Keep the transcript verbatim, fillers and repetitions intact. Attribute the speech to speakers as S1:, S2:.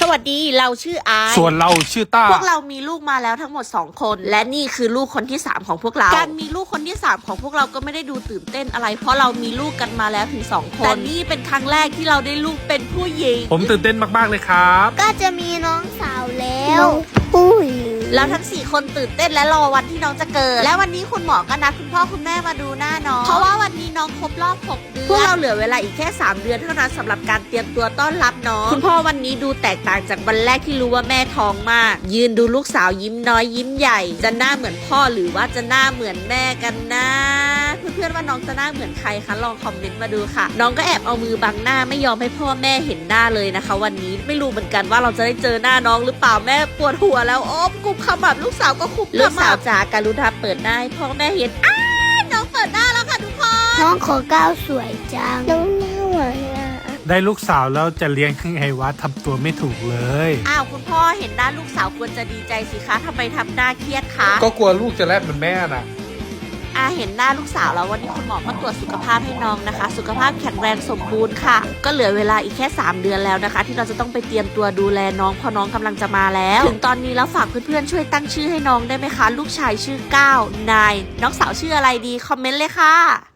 S1: วัสดีเราชื่อไอ
S2: ส่วนเราชื่อต้า
S1: พวกเรามีลูกมาแล้วทั้งหมดสองคนและนี่คือลูกคนที่สามของพวกเราการมีลูกคนที่สามของพวกเราก็ไม่ได้ดูตื่นเต้นอะไรเพราะเรามีลูกกันมาแล้วถึงสองคนแต่นี่เป็นครั้งแรกที่เราได้ลูกเป็นผู้หญิง
S2: ผมตื่นเต้นมากๆเลยครับ
S3: ก็จะมีน้องสาวแล้วผู้หญิง
S1: แล้วทั้งสี่คนตื่นเต้นและรอวันที่น้องจะเกิดและวันนี้คุณหมอก็นัดคุณพ่อคุณแม่มาดูหน้าน้องเพราะว่าวันนี้น้องครบรอบหกเดือนพวกเราเหลือเวลาอีกแค่สามเดือนเท่านั้นสำหรับการเตรียมตัวต้อนรับน้องคุณพ่อวันนี้ดูแตกต่างจากวันแรกที่รู้ว่าแม่ท้องมากยืนดูลูกสาวยิ้มน้อยยิ้มใหญ่จะหน้าเหมือนพ่อหรือว่าจะหน้าเหมือนแม่กันนะเพื่อนๆว่าน้องจะหน้าเหมือนใครคะลองคอมเมนต์มาดูค่ะน้องก็แอบเอามือบังหน้าไม่ยอมให้พ่อแม่เห็นหน้าเลยนะคะวันนี้ไม่รู้เหมือนกันว่าเราจะได้เจอหน้าน้องหรือเปล่าแม่ปวดหัวแล้วโอ้กุมขมับลูกสาวก็คุบลูกสาวจ๋าการุณาเปิดหน้าให้พ่อแม่เห็นอ้าน้องเปิดหน้าแล้วค่ะทุกคน
S3: น้องขอก้าวสวยจังน้องหน้าหวานอ่ะ
S2: ได้ลูกสาวแล้วจะเลี้ยงยังไงวะทำตัวไม่ถูกเลย
S1: อ้าวคุณพ่อเห็นหน้าลูกสาวควรจะดีใจสิคะทำไมทำหน้าเครียดคะ
S2: ก็กลัวลูกจะแลบเหมือนแม่น่ะ
S1: อาเห็นหน้าลูกสาวแล้ววันนี้คุณหมอมาตรวจสุขภาพให้น้องนะคะสุขภาพแข็งแรงสมบูรณ์ค่ะก็เหลือเวลาอีกแค่สามเดือนแล้วนะคะที่เราจะต้องไปเตรียมตัวดูแลน้องเพราะน้องกำลังจะมาแล้วถึงตอนนี้แล้วฝากเพื่อนๆช่วยตั้งชื่อให้น้องได้ไหมคะลูกชายชื่อก้าวนายน้องสาวชื่ออะไรดีคอมเมนต์เลยค่ะ